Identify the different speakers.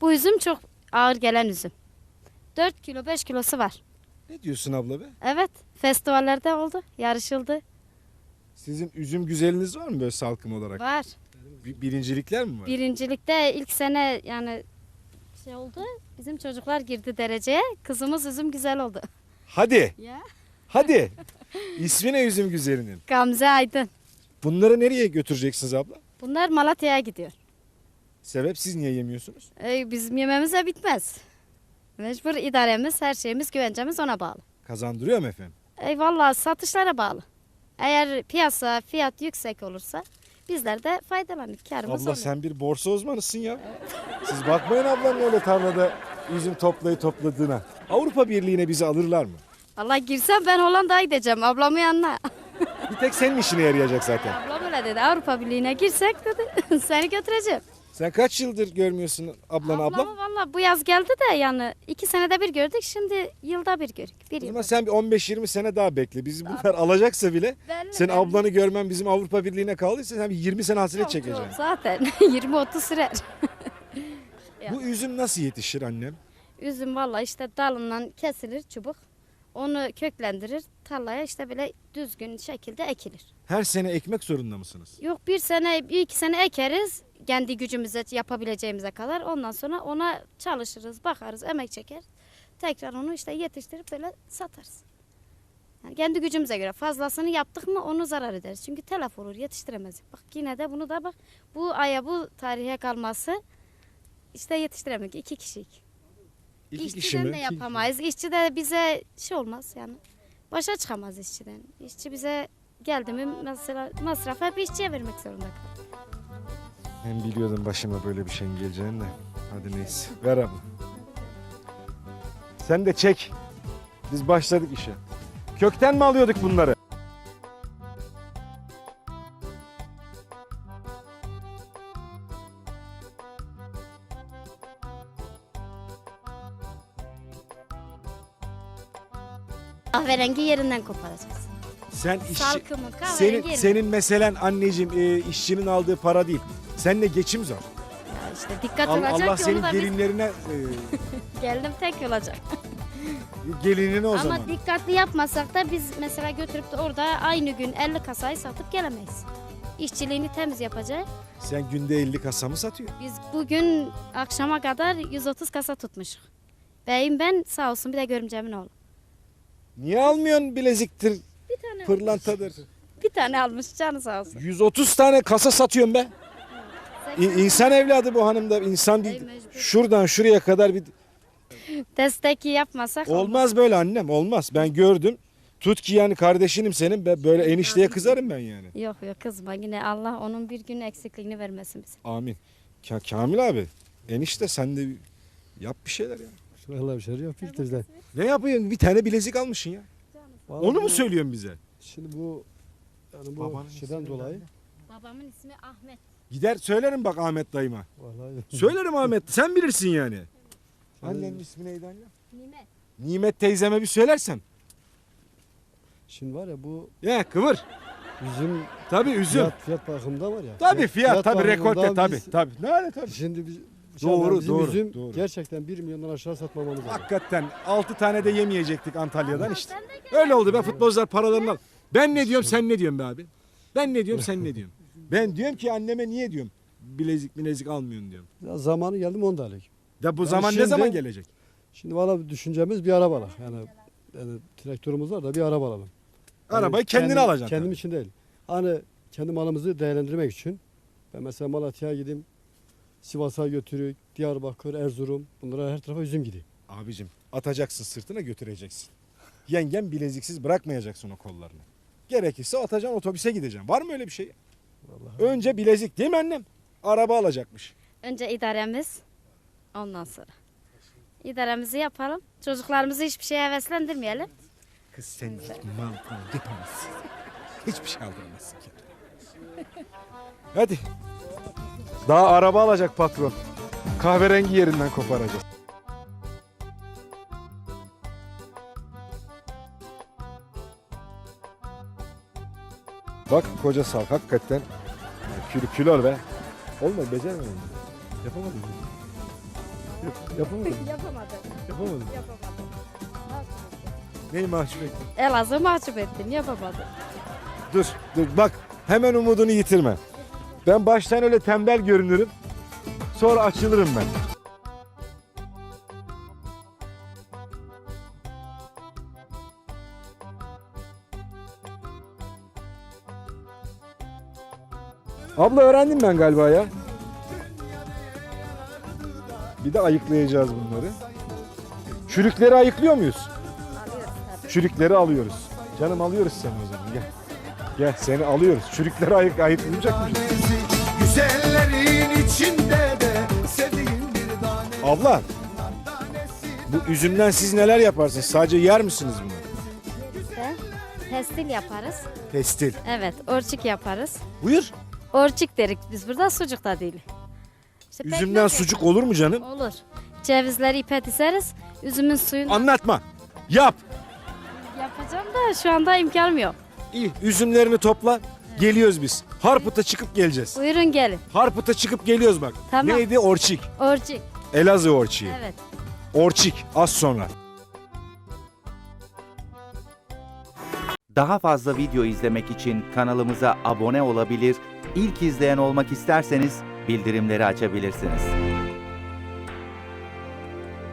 Speaker 1: Bu üzüm çok ağır gelen üzüm. 4 kilo 5 kilosu var.
Speaker 2: Ne diyorsun abla be?
Speaker 1: Evet, festivallerde oldu, yarışıldı.
Speaker 2: Sizin üzüm güzeliniz var mı böyle salkım olarak?
Speaker 1: Var.
Speaker 2: Birincilikler mi var?
Speaker 1: Birincilikte ilk sene yani şey oldu. Bizim çocuklar girdi dereceye. Kızımız üzüm güzel oldu.
Speaker 2: Hadi,
Speaker 1: Ya.
Speaker 2: hadi. İsmi ne üzüm güzelinin?
Speaker 1: Gamze Aydın.
Speaker 2: Bunları nereye götüreceksiniz abla?
Speaker 1: Bunlar Malatya'ya gidiyor.
Speaker 2: Sebep siz niye yemiyorsunuz?
Speaker 1: Bizim yememize bitmez. Mecbur idaremiz, her şeyimiz, güvencemiz ona bağlı.
Speaker 2: Kazandırıyor mu efendim?
Speaker 1: Vallahi satışlara bağlı. Eğer piyasa fiyat yüksek olursa bizler de faydalanırız. Kârımız
Speaker 2: Abla
Speaker 1: olur.
Speaker 2: sen bir borsa uzmanısın ya. Siz bakmayın ablanın öyle tarlada üzüm topladığına. Avrupa Birliği'ne bizi alırlar mı?
Speaker 1: Vallahi girsem ben Hollanda'ya gideceğim ablamın yanına.
Speaker 2: Bir tek senin işine yarayacak zaten.
Speaker 1: Ablam öyle dedi. Avrupa Birliği'ne girsek dedi. Seni götüreceğim.
Speaker 2: Sen kaç yıldır görmüyorsun ablanı abla?
Speaker 1: Ablamı valla bu yaz geldi de yani 2 senede bir gördük. Şimdi yılda bir gördük. Bir
Speaker 2: O
Speaker 1: yıl.
Speaker 2: zaman sen bir 15-20 sene daha bekle. Bizi bunlar alacaksa bile
Speaker 1: Belli,
Speaker 2: senin
Speaker 1: belli.
Speaker 2: ablanı görmen bizim Avrupa Birliği'ne kaldıysa sen bir 20 sene hasret
Speaker 1: Çok,
Speaker 2: çekeceksin.
Speaker 1: çok zaten 20-30 sürer.
Speaker 2: Bu üzüm nasıl yetişir annem?
Speaker 1: Üzüm valla işte dalından kesilir çubuk. Onu köklendirir. Tarlaya işte böyle düzgün şekilde ekilir.
Speaker 2: Her sene ekmek zorunda mısınız?
Speaker 1: Yok bir sene, bir iki sene ekeriz. Kendi gücümüze yapabileceğimize kadar. Ondan sonra ona çalışırız, bakarız, emek çeker. Tekrar onu işte yetiştirip böyle satarız. Yani kendi gücümüze göre fazlasını yaptık mı onu zarar ederiz. Çünkü telef olur, yetiştiremezdik. Bak yine de bunu da bak bu aya bu tarihe kalması işte yetiştiremedik. 2 kişilik.
Speaker 2: İki kişi
Speaker 1: İşçiden
Speaker 2: mi?
Speaker 1: de yapamayız. İşçi de bize şey olmaz yani. Başa çıkamaz işçiden. İşçi bize geldi mi mesela masraf hep işçiye vermek zorunda kalır.
Speaker 2: Ben biliyordum başıma böyle bir şeyin geleceğini de. Hadi neyse. Ver abla. Sen de çek. Biz başladık işe. Kökten mi alıyorduk bunları?
Speaker 1: Kahverengi yerinden koparacağız.
Speaker 2: Sen
Speaker 1: Salkımı kahverengi
Speaker 2: senin,
Speaker 1: yerinden.
Speaker 2: senin meselen anneciğim işçinin aldığı para değil. Seninle geçim zor.
Speaker 1: Ya işte dikkat olacak
Speaker 2: Allah
Speaker 1: ki
Speaker 2: senin
Speaker 1: onu da biz
Speaker 2: gelinlerine
Speaker 1: geldim tek olacak.
Speaker 2: gelinine o
Speaker 1: Ama
Speaker 2: zaman.
Speaker 1: dikkatli yapmasak da biz mesela götürüp de orada aynı gün 50 kasayı satıp gelemeyiz. İşçiliğini temiz yapacak.
Speaker 2: Sen günde 50 kasa mı satıyorsun?
Speaker 1: Biz bugün akşama kadar 130 kasa tutmuşuk. Beyim ben sağ olsun bir de görümcemin oğlu.
Speaker 2: Niye almıyorsun bileziktir,
Speaker 1: Bir tane
Speaker 2: pırlantadır?
Speaker 1: bir tane almış canı sağ olsun.
Speaker 2: 130 tane kasa satıyorum be. İnsan evladı bu hanım da insan
Speaker 1: Ey
Speaker 2: değil.
Speaker 1: mecbur.
Speaker 2: Şuradan şuraya kadar bir
Speaker 1: Destek yapmasak
Speaker 2: olmaz böyle annem olmaz. Ben gördüm. Tut ki yani kardeşinim senin böyle enişteye kızarım ben yani.
Speaker 1: Yok yok kızma yine Allah onun bir gün eksikliğini vermesin bize.
Speaker 2: Amin. Kamil abi enişte sen de yap bir şeyler ya.
Speaker 3: Vallahi bir şey yok bizde.
Speaker 2: Ne yapıyorsun? Bir tane bilezik almışsın ya.
Speaker 3: Vallahi
Speaker 2: Onu mu
Speaker 3: bu-
Speaker 2: söylüyorsun bize?
Speaker 3: Şimdi bu yani bu
Speaker 2: Babanın
Speaker 3: şeyden
Speaker 2: ismi
Speaker 3: dolayı
Speaker 1: Babamın ismi Ahmet.
Speaker 2: Gider söylerim bak Ahmet dayıma.
Speaker 3: vallahi
Speaker 2: Söylerim Ahmet. Sen bilirsin yani. Annenin ismi neydi anne?
Speaker 1: Nimet.
Speaker 2: Nimet teyzeme bir söylersen.
Speaker 3: şimdi var ya bu
Speaker 2: Ya kıvır.
Speaker 3: üzüm
Speaker 2: Tabii üzüm.
Speaker 3: fiyat bakımında var ya.
Speaker 2: Tabii fiyat tabii rekolte
Speaker 3: bakımından
Speaker 2: tabii
Speaker 3: biz-
Speaker 2: tabii. Ne öyle tabii.
Speaker 3: Şimdi
Speaker 2: Doğru,
Speaker 3: bizim
Speaker 2: doğru,
Speaker 3: üzüm
Speaker 2: doğru.
Speaker 3: gerçekten 1 milyondan aşağı satmamamız lazım.
Speaker 2: Hakikaten 6 tane de yemeyecektik Antalya'dan işte. Öyle oldu be futbolcular paralarını al. Ben ne diyorum sen ne diyorsun be abi? Ben ne diyorum sen ne diyorsun? Ben diyorum ki anneme niye diyorum bilezik almıyorsun diyorum.
Speaker 3: Ya zamanı geldi mi 10 da alek.
Speaker 2: Da bu
Speaker 3: Yani
Speaker 2: zaman ne
Speaker 3: şimdi-
Speaker 2: zaman gelecek?
Speaker 3: Şimdi valla düşüncemiz bir araba alak. Yani traktörümüz var da bir araba alalım. Yani
Speaker 2: Arabayı kendine
Speaker 3: kendim-
Speaker 2: alacaksın.
Speaker 3: Kendim
Speaker 2: tabii.
Speaker 3: için değil. Hani kendi malımızı değerlendirmek için. Ben mesela Malatya'ya gideyim. Sivas'a götürük, Diyarbakır, Erzurum. Bunlara her tarafa üzüm gidiyor.
Speaker 2: Abicim atacaksın sırtına götüreceksin. Yengen bileziksiz bırakmayacaksın o kollarını. Gerekirse atacaksın otobüse gideceksin. Var mı öyle bir şey?
Speaker 3: Vallahi.
Speaker 2: Önce bilezik değil mi annem? Araba alacakmış.
Speaker 1: Önce idaremiz ondan sonra. İdaremizi yapalım. Çocuklarımızı hiçbir şeye heveslendirmeyelim.
Speaker 2: Kız sen mal yapamazsın. Hiçbir şey aldıramazsın ki. Hadi. Daha araba alacak patron. Kahverengi yerinden koparacağız. Bak koca sal hakikaten. Kilo be. Olmadı beceremedim. Yapamadım.
Speaker 3: Yapamadım.
Speaker 1: Yapamadım.
Speaker 3: Yapamadım.
Speaker 1: Yapamadım.
Speaker 2: Neyi mahcup ettin?
Speaker 1: Elazığ'ı mahcup ettin. Yapamadım.
Speaker 2: Dur bak hemen umudunu yitirme. Ben baştan öyle tembel görünürüm. Sonra açılırım ben. Abla öğrendim ben galiba ya. Bir de ayıklayacağız bunları. Çürükleri ayıklıyor muyuz?
Speaker 1: Alıyoruz tabii.
Speaker 2: Çürükleri alıyoruz. Canım alıyoruz seni o zaman gel. Gel seni alıyoruz. Çürükleri ayıklayacak mıyız?
Speaker 4: Güzellerin içinde de sevdiğim bir tane.
Speaker 2: Abla bu üzümden siz neler yaparsınız? Sadece yer misiniz bunu?
Speaker 1: İşte pestil yaparız.
Speaker 2: Pestil.
Speaker 1: Evet, orçik yaparız.
Speaker 2: Buyur.
Speaker 1: Orçik derik biz burada, sucuk da değil. İşte
Speaker 2: Üzümden
Speaker 1: pekmez
Speaker 2: sucuk olur mu canım?
Speaker 1: yaparız. Olur. Cevizleri ipe dizeriz. Üzümün suyunu
Speaker 2: Anlatma. Yap.
Speaker 1: yapacağım da şu anda imkanım yok.
Speaker 2: İyi. Üzümlerini topla. Geliyoruz biz. Harput'a çıkıp geleceğiz.
Speaker 1: Buyurun gelin.
Speaker 2: Harput'a çıkıp geliyoruz bak.
Speaker 1: Tamam.
Speaker 2: Neydi? Orçik.
Speaker 1: Orçik.
Speaker 2: Elazığ orçiği.
Speaker 1: Evet.
Speaker 2: Orçik. Az sonra.
Speaker 5: Daha fazla video izlemek için kanalımıza abone olabilir, ilk izleyen olmak isterseniz bildirimleri açabilirsiniz.